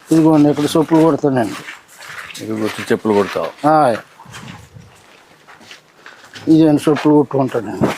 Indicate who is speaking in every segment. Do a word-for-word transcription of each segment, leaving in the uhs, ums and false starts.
Speaker 1: ఇదిగోండి ఇక్కడ చెప్పులు కొడతానండి.
Speaker 2: ఇది వచ్చి చెప్పులు కొడతావు?
Speaker 1: ఇదేంటి చెప్పులు కొట్టుకుంటానండి.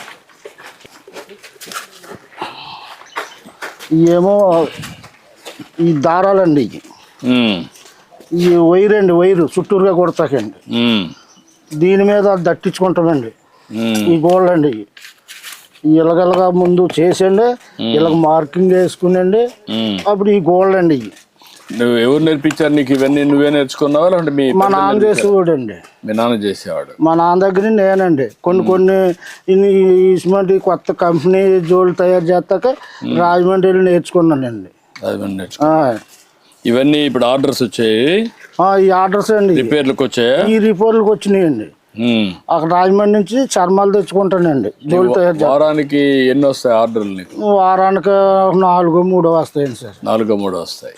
Speaker 1: ఇవేమో ఈ దారాలండి, ఇవి ఈ వైర్ అండి, వైరు చుట్టూరుగా కొడతాకండి. దీని మీద దట్టించుకుంటామండి. ఈ గోల్డ్ అండి, ఇలాగలగా ముందు చేసండి, ఇలాగ మార్కింగ్ వేసుకునండి, అప్పుడు ఈ గోల్డ్ అండి. ఇవి
Speaker 2: నువ్వు ఎవరు నేర్పించారు నీకు ఇవన్నీ? నువ్వే నేర్చుకున్నావా అంటే మీ
Speaker 1: మా నాన్న చేసేవాడు అండి.
Speaker 2: మీ నాన్న చేసేవాడు?
Speaker 1: మా నాన్న దగ్గర నేనండి కొన్ని కొన్ని ఇటువంటి కొత్త కంపెనీ జోళ్ళు తయారు చేస్తాక రాజమండ్రి నేర్చుకున్నానండి.
Speaker 2: రాజమండ్రి నేర్చుకున్నా. ఇవన్నీ ఇప్పుడు ఆర్డర్స్ వచ్చాయి?
Speaker 1: ఈ ఆర్డర్స్ అండి
Speaker 2: రిపేర్లకు వచ్చాయా? ఈ
Speaker 1: రిపేర్లకు వచ్చినాయండి. అక్కడ రాజమండ్రి నుంచి చర్మాలు తెచ్చుకుంటానండి. జోళ్ళు తయారు.
Speaker 2: వారానికి ఎన్ని వస్తాయి ఆర్డర్లు నీకు?
Speaker 1: వారానికి నాలుగో మూడో వస్తాయండి సార్.
Speaker 2: నాలుగో మూడో వస్తాయి.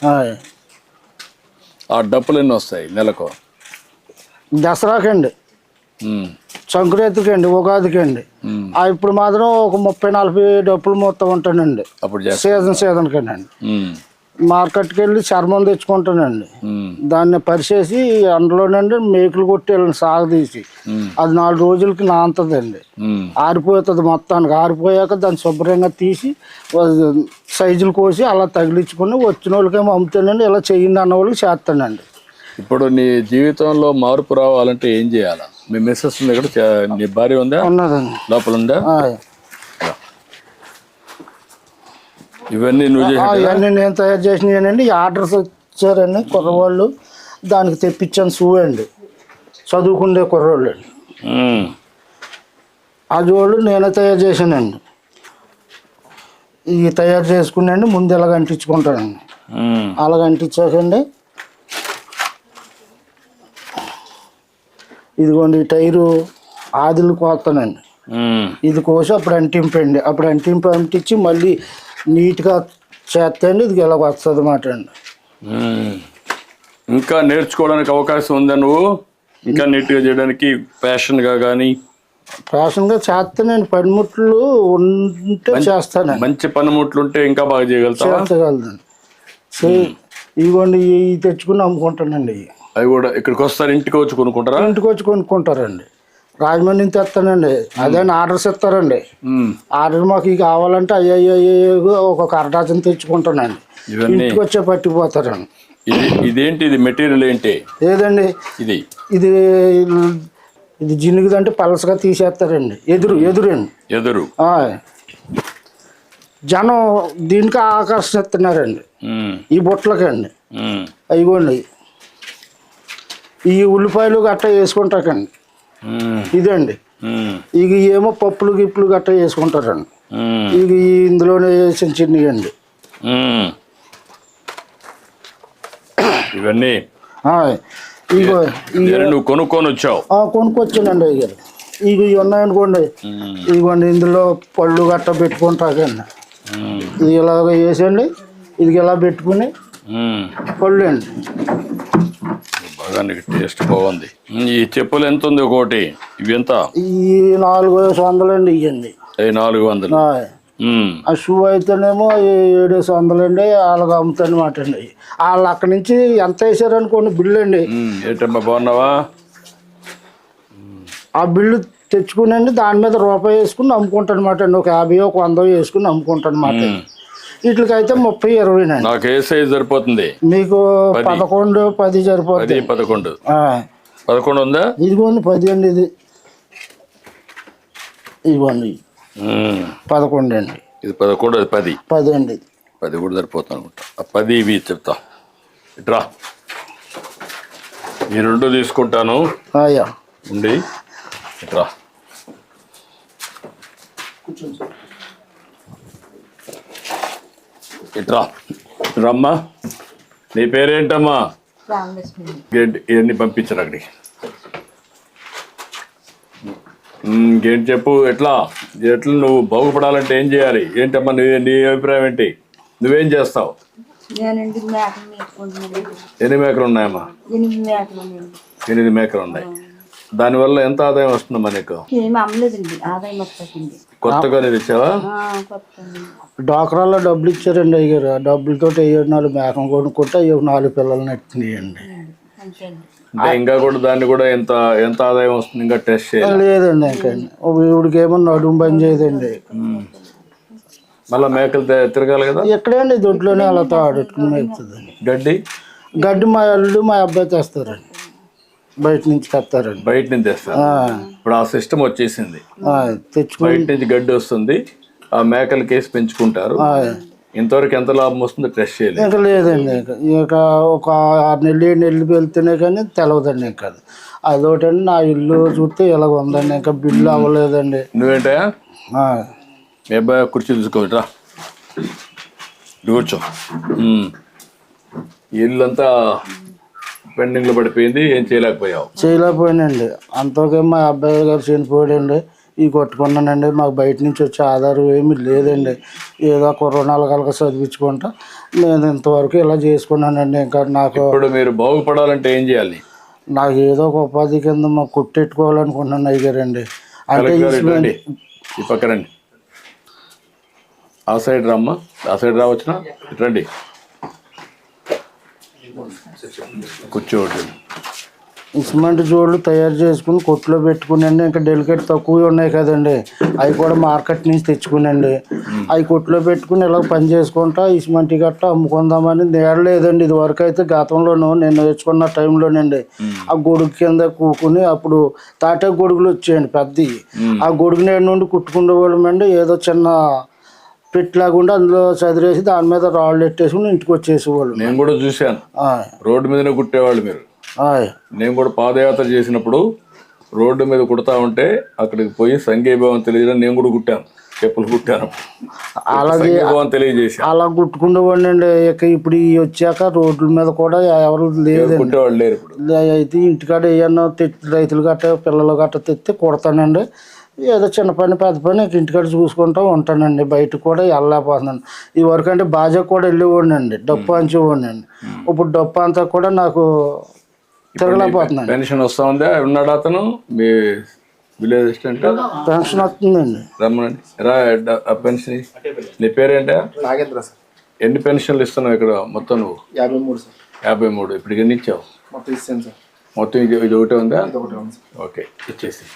Speaker 2: ఆ డబ్బులు ఎన్ని వస్తాయి నెలకు?
Speaker 1: దసరాకండి, సంక్రాంతికి అండి, ఉగాదికి అండి. ఇప్పుడు మాత్రం ఒక ముప్పై నలభై డబ్బులు మొత్తం ఉంటానండి. అప్పుడు సీజన్ సీజన్ కండి మార్కెట్కి వెళ్ళి చర్మం తెచ్చుకుంటానండి. దాన్ని పరిచేసి అందులోనండి మేకులు కొట్టి వెళ్ళండి సాగదీసి, అది నాలుగు రోజులకి నాంతదండి, ఆరిపోతుంది. మొత్తానికి ఆరిపోయాక దాన్ని శుభ్రంగా తీసి సైజులు కోసి అలా తగిలించుకుని వచ్చిన వాళ్ళకేమో అమ్ముతానండి. ఇలా చెయ్యండి అన్న వాళ్ళకి చేస్తానండి.
Speaker 2: ఇప్పుడు నీ జీవితంలో మార్పు రావాలంటే ఏం చేయాలా? మీ మిస్సెస్ ఉంది ఇక్కడ, నీ భార్య ఉందా?
Speaker 1: ఉన్నదండి,
Speaker 2: లోపల ఉందా? ఇవన్నీ నువ్వు
Speaker 1: ఇవన్నీ నేను తయారు చేసినానండి. ఆర్డర్స్ వచ్చారండి కుర్రవాళ్ళు, దానికి తెప్పించాను షూ అండి, చదువుకుండే కుర్రవాళ్ళు అండి. అది వాళ్ళు నేనే తయారు చేశానండి. ఇవి తయారు చేసుకున్నాండి, ముందు ఇలాగ అంటించుకుంటానండి. అలాగ అంటించాకండి ఇదిగోండి ఈ టైరు ఆదిలు కోస్తానండి. ఇది కోసి అప్పుడు అంటింపండి, అప్పుడు అంటింపు అంటించి మళ్ళీ నీట్గా చేస్తండి. ఇది ఇలా వస్తుంది అన్నమాట అండి.
Speaker 2: ఇంకా నేర్చుకోవడానికి అవకాశం ఉందా నువ్వు? ఇంకా నీట్గా చేయడానికి ఫ్యాషన్గా కానీ?
Speaker 1: ఫ్యాషన్గా చేస్తానండి. పనిముట్లు ఉంటే చేస్తాను.
Speaker 2: మంచి పనిముట్లు ఉంటే ఇంకా బాగా చేయగలుగుతావా?
Speaker 1: చేస్తగలదండి. ఇదిగోండి ఇవి తెచ్చుకుని అమ్ముకుంటానండి.
Speaker 2: అవి కూడా ఇక్కడికి వస్తారు, ఇంటికి వచ్చి కొనుక్కుంటారా?
Speaker 1: ఇంటికి వచ్చి కొనుక్కుంటారండి. రాజమండ్రి నుంచి తెస్తానండి. అదే ఆర్డర్స్ ఇస్తారండి. ఆర్డర్ మాకు ఇవి కావాలంటే అయ్యో ఒక అరడాచన తెచ్చుకుంటానండి. ఇంటికి వచ్చే పట్టిపోతారండి.
Speaker 2: ఇదేంటి, ఇది మెటీరియల్ ఏంటి?
Speaker 1: ఏదండి
Speaker 2: ఇది?
Speaker 1: ఇది ఇది జినుగుదంటే పలసగా తీసేస్తారండి. ఎదురు ఎదురండి, ఎదురు జనం దీనికి ఆకర్షిస్తున్నారండి. ఈ బుట్టలకండి అయిగోండి ఈ ఉల్లిపాయలు గట్ట వేసుకుంటాకండి. ఇదండి ఇక ఏమో పప్పులు గిప్పులు గట్ట వేసుకుంటారండి. ఇక ఇందులోనే చిన్న చిన్నవి అండి
Speaker 2: ఇవన్నీ.
Speaker 1: ఇగో
Speaker 2: నువ్వు కొనుక్కొని వచ్చావు?
Speaker 1: కొనుక్కొచ్చానండి. ఇక ఇక ఇవి ఉన్నాయనుకోండి, ఇదిగోండి ఇందులో పళ్ళు గట్ట పెట్టుకుంటాకండి. ఇది ఇలాగ వేసండి, ఇది ఇలా పెట్టుకుని పళ్ళు అండి.
Speaker 2: బాగా టేస్ట్ బాగుంది. ఈ చెప్పులు ఎంత ఉంది ఒకటి? ఇవి ఎంత?
Speaker 1: ఈ నాలుగు వందలండి. ఇవ్వండి
Speaker 2: నాలుగు వందలు.
Speaker 1: ఆ షూ అయితేనేమో ఏడు వందలండి. వాళ్ళకి అమ్ముతానమాట అండి. వాళ్ళు అక్కడి నుంచి ఎంత వేసారనుకోండి బిల్లు అండి.
Speaker 2: ఏంటమ్మా బాగున్నావా?
Speaker 1: ఆ బిల్లు తెచ్చుకునండి, దాని మీద రూపాయి వేసుకుని అమ్ముకుంటాను అనమాట అండి. ఒక యాభై ఒక వంద వేసుకుని అమ్ముకుంటాను అనమాట. వీటికైతే ముప్పై ఇరవై నండి.
Speaker 2: నాకు ఏ సైజ్ సరిపోతుంది?
Speaker 1: మీకు పదకొండు పది సరిపోతుంది.
Speaker 2: పదకొండు పదకొండు ఉందా? ఇదిగోండి
Speaker 1: పది అండి. ఇది ఇదిగోండి పదకొండు అండి.
Speaker 2: ఇది పదకొండు, అది పది.
Speaker 1: పది అండి.
Speaker 2: పది కూడా సరిపోతుంది అనుకుంటా. ఆ పది ఇవి చెప్తా. ఇట్రా, ఈ రెండు తీసుకుంటాను.
Speaker 1: అయ్యా
Speaker 2: ఉండి ఇట్రా. ఇట్రా రమ్మా. నీ పేరేంటమ్మా? ఇవన్నీ పంపించరు అక్కడికి. ఇంకేంటి చెప్పు, ఎట్లా ఎట్లా నువ్వు బాగుపడాలంటే ఏం చేయాలి? ఏంటమ్మా నీ నీ అభిప్రాయం ఏంటి? నువ్వేం చేస్తావు? ఎన్ని మేకలు ఉన్నాయమ్మా? ఎనిమిది మేకలు ఉన్నాయి. దానివల్ల ఎంత ఆదాయం వస్తుంది మనకు?
Speaker 3: ఏమి అమ్మలేదండి, ఆదాయం వస్తుందండి.
Speaker 2: కొత్తగా తెచ్చావా?
Speaker 1: డాక్రాల్లో డబ్బులు ఇచ్చారండి అయ్యారు. ఆ డబ్బులతో అయ్యో నాలుగు మేకం కొనుక్కుంటే అయ్యో నాలుగు పిల్లలు నెట్టినాయండి.
Speaker 3: అంతే అండి.
Speaker 2: అంటే ఇంకా కూడా దాన్ని కూడా ఎంత ఎంత ఆదాయం వస్తుంది ఇంకా టెస్ట్ చేయాలి?
Speaker 1: లేదండి ఇంకా ఇవిడికి ఏమో నడుము బంద్ చేయదండి.
Speaker 2: మళ్ళీ మేకలు తే- తిరగాలి కదా.
Speaker 1: ఎక్కడండి దొడ్లోనే అలా తాడుకుని మేపుతుందండి.
Speaker 2: గడ్డి
Speaker 1: గడ్డి మా అల్లుడు మా అబ్బాయి తెస్తారండి, బయట నుంచి తెస్తారండి.
Speaker 2: బయట నుంచి తెస్తారు. ఇప్పుడు ఆ సిస్టమ్ వచ్చేసింది.
Speaker 1: తెచ్చుకుని
Speaker 2: బయట నుంచి గడ్డి వస్తుంది, ఆ మేకలు కేసి పెంచుకుంటారు. ఇంతవరకు ఎంత లాభం వస్తుందో టెస్ట్ చేయాలి.
Speaker 1: ఇంకా లేదండి. ఇంకా ఇక ఒక ఆరు నెలలు ఏడు నెలలు వెళ్తేనే కానీ తెలవదండి. ఇంకా అదొకటండి. నా ఇల్లు చూస్తే ఇలాగ ఉందండి, ఇంకా బిల్లు అవ్వలేదండి.
Speaker 2: నువ్వేంటా
Speaker 1: ఆ,
Speaker 2: మీ అబ్బాయి కుర్చీ తీసుకోవటరా, కూర్చో. ఉమ్. ఇల్లంతా పెండింగ్లో పడిపోయింది, ఏం చేయలేకపోయావు.
Speaker 1: చేయలేకపోయానండి. అంతకే మా అబ్బాయి గారు చనిపోయాడండి. ఈ కొట్టుకున్నానండి. మాకు బయట నుంచి వచ్చే ఆధారం ఏమీ లేదండి. ఏదో కుర్రనాలు కలక చదివించుకుంటా నేను ఇంతవరకు ఇలా చేసుకున్నానండి. ఇంకా నాకు
Speaker 2: ఇప్పుడు మీరు బాగుపడాలంటే ఏం చేయాలి?
Speaker 1: నాకు ఏదో ఒక ఉపాధి కింద మాకు కుట్టెట్టుకోవాలనుకుంటున్నాను అయ్యారండి. అంటే ఈ
Speaker 2: కలెక్టర్ రండి, ఈ పక్క రండి. ఆ సైడ్ రమ్మా, ఆ సైడ్ రావచ్చునా? ఇటు రండి, కూర్చోండి.
Speaker 1: సిమెంట్ జోళ్ళు తయారు చేసుకుని కొట్లో పెట్టుకునండి. ఇంకా డెలికేట్ తక్కువ ఉన్నాయి కదండి, అవి కూడా మార్కెట్ నుంచి తెచ్చుకునండి. అవి కొట్లో పెట్టుకుని ఇలా పని చేసుకుంటా ఈ సిమెంట్ గట్ట అమ్ముకుందామని నేడలేదండి. ఇది వరకు అయితే గతంలోనూ నేను నేర్చుకున్న టైంలోనండి ఆ గొడుగు కింద కూకుని అప్పుడు తాటే గొడుగులు వచ్చాయండి పెద్దవి. ఆ గొడుగు నేడు నుండి కుట్టుకునే వాళ్ళమండి. ఏదో చిన్న పెట్టిలాగుండి అందులో చదిరేసి దాని మీద రాళ్ళు ఎట్టేసుకుని ఇంటికి వచ్చేసేవాళ్ళు.
Speaker 2: నేను కూడా చూశాను, రోడ్డు మీదనే కుట్టేవాళ్ళు మీరు. నేను కూడా పాదయాత్ర చేసినప్పుడు రోడ్డు మీద కుడతా ఉంటే అక్కడికి పోయి సంఘీభావం తెలియజేయడం నేను కూడా కుట్టాను, చెప్పులు కుట్టాను.
Speaker 1: అలాగే
Speaker 2: తెలియజేసి
Speaker 1: అలా కుట్టుకునేవాడిని అండి. ఇక ఇప్పుడు ఈ వచ్చాక రోడ్ల మీద కూడా ఎవరు లేదండి,
Speaker 2: కుట్టేవాళ్ళు లేరు ఇప్పుడు.
Speaker 1: అయితే ఇంటికాడ ఏమన్నా తెచ్చి రైతులు గట్ట పిల్లలు గట్ట తెచ్చి కుడతానండి. ఏదో చిన్న పని పెద్ద పని ఇంటికాడ చూసుకుంటూ ఉంటానండి. బయటకు కూడా వెళ్ళలేకపోతున్నాను. ఈ వరకు అంటే బాజా కూడా వెళ్ళేవాడిని అండి, డప్పు అంచేవాడిని అండి. ఇప్పుడు డప్పు అంతా కూడా నాకు తిరగలేకపోతున్నాను.
Speaker 2: పెన్షన్ వస్తా ఉందా? ఉన్నాడు అతను మీ విలేజ్ అసిస్టెంట్?
Speaker 1: పెన్షన్ వస్తుందండి.
Speaker 2: రమ్మనండి, రా. ఆ పెన్షన్ నీ పేరేంటా?
Speaker 4: నాగేంద్ర సార్.
Speaker 2: ఎన్ని పెన్షన్లు ఇస్తున్నావు ఇక్కడ మొత్తం నువ్వు?
Speaker 4: యాభై మూడు సార్.
Speaker 2: యాభై మూడు ఇప్పుడు ఎన్ని ఇచ్చావు?
Speaker 4: మొత్తం ఇస్తాను సార్.
Speaker 2: మొత్తం ఇది ఇది ఒకటే ఉందా?
Speaker 4: ఇది ఒకటి ఉంది సార్.
Speaker 2: ఓకే, ఇచ్చేసి.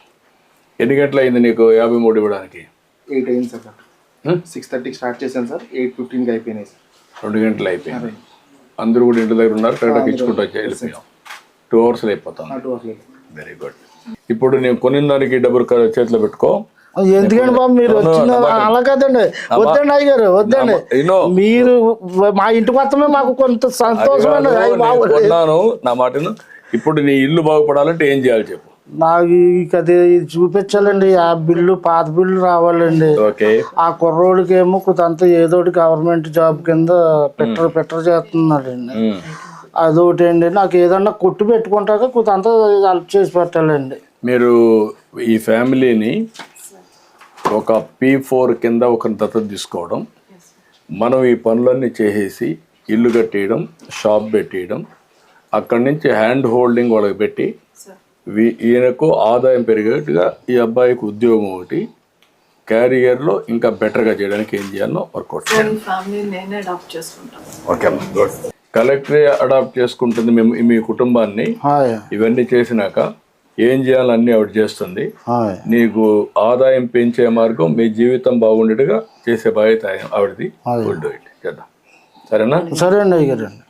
Speaker 2: ఎన్ని గంటలు అయింది నీకు యాభై మూడు ఇవ్వడానికి?
Speaker 4: ఎయిట్ అయింది సార్. సిక్స్ థర్టీకి స్టార్ట్ చేశాను సార్, ఎయిట్ ఫిఫ్టీన్కి అయిపోయినాయి సార్.
Speaker 2: రెండు గంటలు అయిపోయింది. అందరూ కూడా ఇంటి దగ్గర ఉన్నారు, కరెక్ట్గా ఇచ్చుకుంటూ వచ్చి వెళ్ళిపోయాం. టూ అవర్స్లో అయిపోతాం.
Speaker 4: Two hours.
Speaker 2: Very good. ఇప్పుడు నేను కొనిన దానికి డబ్బులు క- చేతిలో పెట్టుకో.
Speaker 1: ఎందుకండి బాబు మీరు వచ్చిన అలా కదండి. వద్దండి అయ్యారు, వద్దండి.
Speaker 2: ఇన్నో,
Speaker 1: మీరు మా ఇంటికి వస్తమే మాకు కొంత సంతోషం అండి. అయ్య బాబు,
Speaker 2: కొన్నాను నా మాటను. ఇప్పుడు నీ ఇల్లు బాగుపడాలంటే ఏం చేయాలి చెప్పు?
Speaker 1: నాకు అది చూపించాలండి. ఆ బిల్లు పాత బిల్లు రావాలండి.
Speaker 2: ఓకే.
Speaker 1: ఆ కుర్రోడికి ఏమో కొంత ఏదో గవర్నమెంట్ జాబ్ కింద పెట్టరు పెట్టరు చేస్తున్నాడండి. అదొకటి అండి. నాకు ఏదన్నా కొట్టు పెట్టుకుంటాక కొంత హెల్ప్ చేసి పెట్టాలండి.
Speaker 2: మీరు ఈ ఫ్యామిలీని ఒక పీ ఫోర్ కింద ఒక దత్తత తీసుకోవడం, మనం ఈ పనులన్నీ చేసేసి ఇల్లు కట్టేయడం, షాప్ పెట్టేయడం, అక్కడి నుంచి హ్యాండ్ హోల్డింగ్ వాళ్ళకి పెట్టి వీ- ఈయనకు ఆదాయం పెరిగేట్టుగా ఈ అబ్బాయికి ఉద్యోగం ఒకటి, క్యారియర్లో ఇంకా బెటర్గా చేయడానికి ఏం చేయాలో వర్కౌట్ చేయాలి. ఓకే అమ్మా, గుడ్. కలెక్టరే అడాప్ట్ చేసుకుంటుంది మేము మీ కుటుంబాన్ని.
Speaker 1: హాయ్
Speaker 2: ఇవన్నీ చేసినాక ఏం చేయాలన్నీ ఆవిడ చేస్తుంది.
Speaker 1: హాయ్
Speaker 2: నీకు ఆదాయం పెంచే మార్గం, మీ జీవితం బాగుండేట్టుగా చేసే బాధ్యత ఆవిడది. గుడ్, డూ ఇట్, చేద్దాం. సరేనా?
Speaker 1: సరే అండి అయ్యారండి.